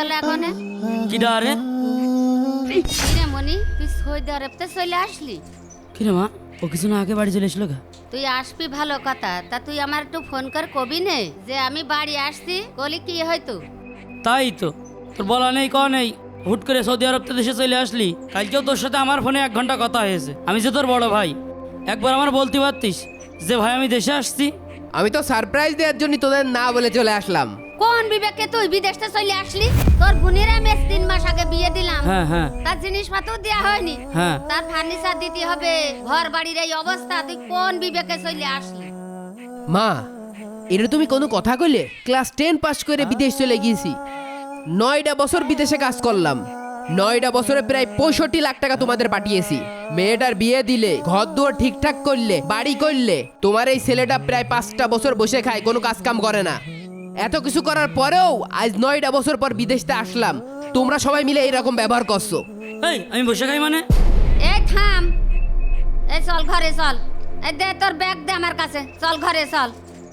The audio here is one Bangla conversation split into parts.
গেল এখন? কি ডারে? কিরে মনি, তুই সৌদি আরবতে চলে আসলি? কিরে মা, ও কিছু না আগে বাড়ি চলে এসলো গা? তুই আসবি ভালো কথা, তা তুই আমার একটু ফোন কর কবি নে যে আমি বাড়ি আসছি, বলি কি হয়তো? তাই তো, তোর বলা নেই ক নেই, হুট করে সৌদি আরব দেশে চলে আসলি। কালকেও তোর সাথে আমার ফোনে 1 ঘন্টা কথা হয়েছে। আমি যে তোর বড় ভাই, একবার আমার বলতে পারতিস যে ভাই আমি দেশে আসছি। আমি তো সারপ্রাইজ দেওয়ার জন্য তোদের না বলে চলে আসলাম। কোন বিবেকে তুই বিদেশে চলে আসলি? তোর বোনের আমি 3 মাস আগে বিয়ে দিলাম। হ্যাঁ হ্যাঁ তার জিনিসপত্র দেওয়া হয়নি, হ্যাঁ। তার ফার্নিচার দিতে হবে, ঘর বাড়ির এই অবস্থা, তুই কোন বিবেকে চলে আসলি? মা, এটা তুমি কোনো কথা কইলে? ক্লাস 10 পাস করে বিদেশ চলে গিয়েছি, 9টা বছর বিদেশে কাজ করলাম, 9টা বছরে প্রায় 65 লাখ টাকা তোমাদের পাঠিয়েছি। মেয়েটার বিয়ে দিলে, ঘর দুয়ার ঠিকঠাক করলে, বাড়ি করলে, তোমার এই ছেলেটা প্রায় 5টা বছর বসে খায়, কোনো কাজ কাম করে না। এত কিছু করার পরেও আজ 9টা বছর পর বিদেশতে আসলাম, তোমরা সবাই মিলে এইরকম ব্যবহার করছো। এই আমি বসে খাই মানে? এই থাম, এই চল ঘরে চল, এই দে তোর ব্যাগ দে আমার কাছে, চল ঘরে চল।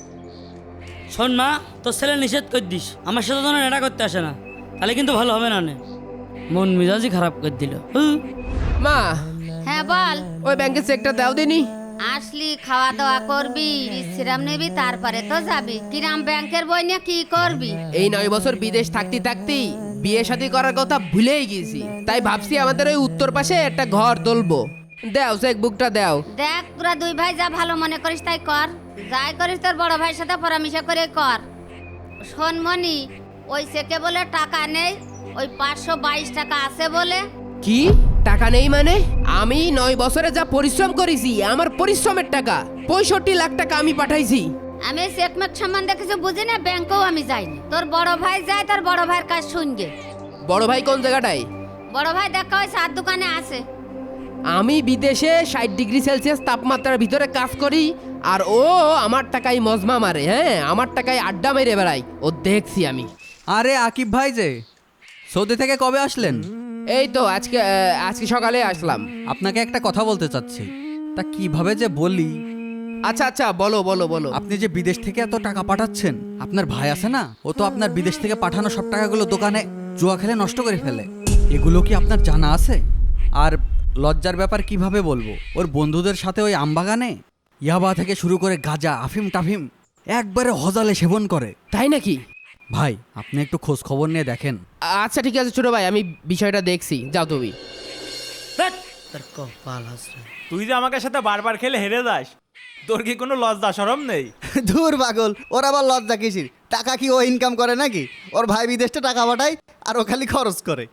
শোন মা, তোর ছেলে নিষেধ করে দিস আমার সাথে যেন এটা করতে আসে না, তাহলে কিন্তু ভালো হবে না। নে মন মেজাজই খারাপ করে দিল। মা, হ্যাঁ বল। ওই ব্যাংকের চেকটা দাও দিনি। আসলি খাওয়া দাওয়া করবি, বিশ্রাম নিবি, তারপরে তো যাবি। কিরাম ব্যাংকের বই নিয়ে কি করবি? এই 9 বছর বিদেশ থাকতে থাকতেই বিয়ে শাদী করার কথা ভুলেই গেছি, তাই ভাবছি আমাদের ওই উত্তর পাশে একটা ঘর তুলবো। দাও চেক বুকটা দাও। দেখ তোরা 2 ভাই যা ভালো মনে করিস তাই কর, যাই করিস তোর বড় ভাইয়ের সাথে পরামর্শ করে কর। শোন মনি, ওই চেকে বলে টাকা নেই, ওই 522 টাকা আছে বলে। কি টাকা নেই মানে? আমি 9 বছরে যা পরিশ্রম করেছি, আমার পরিশ্রমের টাকা 65 লাখ টাকা আমি পাঠাইছি। আমি চেকমেক সম্বন্ধে কিছু বুঝি না, ব্যাংকেও আমি যাইনি। তোর বড় ভাই যায়, তোর বড় ভাইয়ের কাজ শুনগে। বড় ভাই কোন জায়গাটায়? বড় ভাই দেখা হয় চার দোকানে আছে। আমি বিদেশে 60 ডিগ্রি সেলসিয়াস তাপমাত্রার ভিতরে কাজ করি, আর ও আমার টাকায় মজমা মারে। হ্যাঁ, আমার টাকায় আড্ডা মেরে বেড়াই, ও দেখছি আমি। আরে আকিব ভাই যে সৌদি থেকে কবে আসলেন? এই তো আজকে সকালে আসলাম। আপনাকে একটা কথা বলতে চাচ্ছি, তা কিভাবে যে বলি। আচ্ছা আচ্ছা, বলো বলো বলো। আপনি যে বিদেশ থেকে এত টাকা পাঠাচ্ছেন, আপনার ভাই আছে না, ও তো আপনার বিদেশ থেকে পাঠানো সব টাকাগুলো দোকানে জুয়া খেলে নষ্ট করে ফেলে। এগুলো কি আপনার জানা আছে? আর লজ্জার ব্যাপার কিভাবে বলবো, ওর বন্ধুদের সাথে ওই আমবাগানে ইয়াবা থেকে শুরু করে গাঁজা, আফিম টাফিম একবারে হজালে সেবন করে। তাই নাকি? ভাই আপনি একটু খোঁজ খবর নিয়ে দেখেন। আচ্ছা ঠিক আছে ছোট ভাই, আমি বিষয়টা দেখছি, যাও তুমি। ধ্যাৎ, তোর কপাল হাসরে। তুই যে আমাকে সাথে বারবার খেলে হেরে যাস, তোর কি কোনো লজ্জা শরম নেই? দূর পাগল, ওর আবার লজ্জা কিসির? টাকা কি ও ইনকাম করে নাকি? ওর ভাই বিদেশে টাকা পাঠায় আর ও খালি খরচ করে।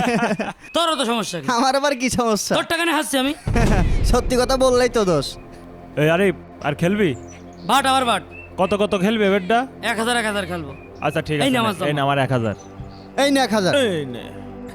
তোরও তো সমস্যা কি? আমার আবার কি সমস্যা? তোর টাকা নিয়ে হাসছি আমি? সত্যি কথা বললেই তো দোষ। এই আরে আর খেলবি? বাট আবার বাট। কত কত খেলবে বেডটা? 1000 খেলবো। আচ্ছা ঠিক এই আছে, নে আমার এই না আমার 1000। এই না 1000। এই নে।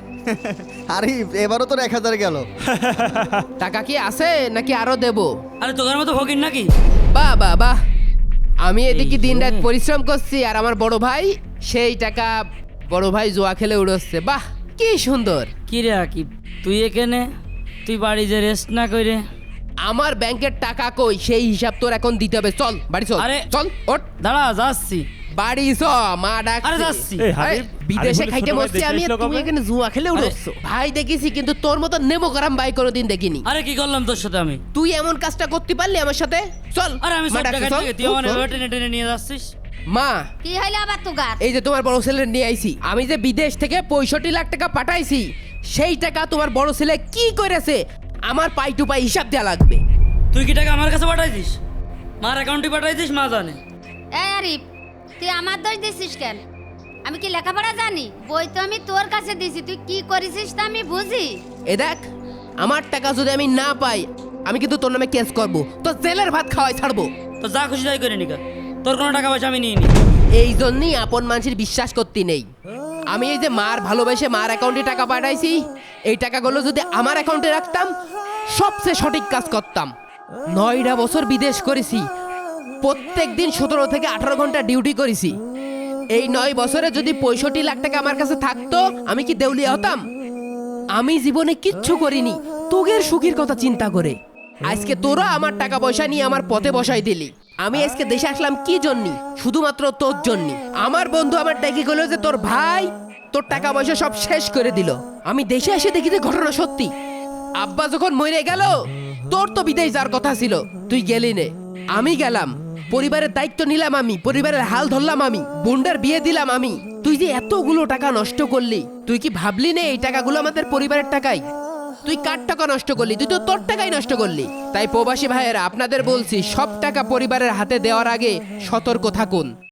আরে এবারও তোর 1000 গেল। টাকা কি আছে নাকি আরো দেব? আরে তোদের মতো ফকির নাকি? বাহ বাহ বাহ, আমি এদিকে দিন রাত পরিশ্রম করছি, আর আমার বড় ভাই সেই টাকা বড় ভাই জুয়া খেলে উড়োচ্ছে। বাহ কি সুন্দর। কি রে আকিব, তুই এখানে, তুই বাড়ি যে রেস্ট না করে? আমার ব্যাংকের টাকা কই, সেই হিসাব তোর এখন দিতে হবে। চল বাড়ি চল। আরে, চল ওঠ দাঁড়া যাচ্ছি। বাড়ি চ, মা ডাক। আরে যাচ্ছি। এই আরে, হাবিব, বিদেশে আরে খাইতে ছোট ভাই বসছি দেশে আমি, আর এসলো তুমি কবে? এখানে জুয়া খেলে উড়োচ্ছ। ভাই দেখেছি, কিন্তু তোর মতো নেমো করাম ভাই কোনোদিন দেখিনি। আরে কি করলাম তোর সাথে আমি? তুই এমন কাজটা করতে পারলি আমার সাথে? চল। আরে আমি মা সব ডাকছে, টাকা চল। থেকে তুই আমার চল। টেনে টেনে নিয়ে যাচ্ছিস। মা, কি হইলো আবার তুগার? এই যে তোমার বড় ছেলে নিয়ে আইছি, আমি যে বিদেশ থেকে 65 লাখ টাকা পাঠাইছি, সেই টাকা তোমার বড় ছেলে কি করেছে আমার পাই টু পাই হিসাব দেওয়া লাগবে। তুই কি টাকা আমার কাছে পাঠাই দিস? মার অ্যাকাউন্টে পাঠাই দিস, মা জানে। এই আরিফ, তুই আমার দোষ দিছিস কেন? আমি কি লেখাপড়া জানি? বই তো আমি তোর কাছে দিছি, তুই কি করেছিস তা আমি বুঝি। এ দেখ, আমার টাকা যদি আমি না পাই, আমি কিন্তু তোর নামে কেস করবো, তো জেলের ভাত খাওয়াই ছাড়বো। তো যা খুশি তাই করে নিকা, তোর কোনো টাকা পয়সা আমি নিয়ে নি। এই জন্যই আপন মানুষের বিশ্বাস করতে নেই। আমি এই যে মার ভালোবেসে মার অ্যাকাউন্টে টাকা পাঠাইছি, এই টাকাগুলো যদি আমার অ্যাকাউন্টে রাখতাম, সবচেয়ে সঠিক কাজ করতাম। 9টা বছর বিদেশ করেছি, প্রত্যেক দিন 17 থেকে 18 ঘন্টা ডিউটি করেছি। এই 9 বছরে যদি 65 লাখ টাকা আমার কাছে থাকতো, আমি কি দেউলিয়া হতাম? আমি জীবনে কিচ্ছু করিনি তোগের সুখের কথা চিন্তা করে। আজকে তোরা আমার টাকা পয়সা নিয়ে আমার পথে বসাই দিলি। আমি আজকে দেশে আসলাম কি জন্য? শুধুমাত্র তোর জন্য। আমার বন্ধু আমার ডেকে গেল যে তোর ভাই তোর টাকা পয়সা সব শেষ করে দিল। আমি দেশে এসে দেখি যে ঘটনা সত্যি। আব্বা যখন মরে গেল তোর তো বিদেশ যাওয়ার কথা ছিল, তুই গেলি নে। আমি গেলাম, পরিবারের দায়িত্ব নিলাম আমি, পরিবারের হাল ধরলাম আমি, বোনটার বিয়ে দিলাম আমি। তুই যে এতগুলো টাকা নষ্ট করলি, তুই কি ভাবলি নে এই টাকাগুলো আমাদের পরিবারের টাকাই? তুই কার টাকা নষ্ট করলি? তুই তো তোর টাকাই নষ্ট করলি। তাই প্রবাসী ভাইয়েরা আপনাদের বলছি, সব টাকা পরিবারের হাতে দেওয়ার আগে সতর্ক থাকুন।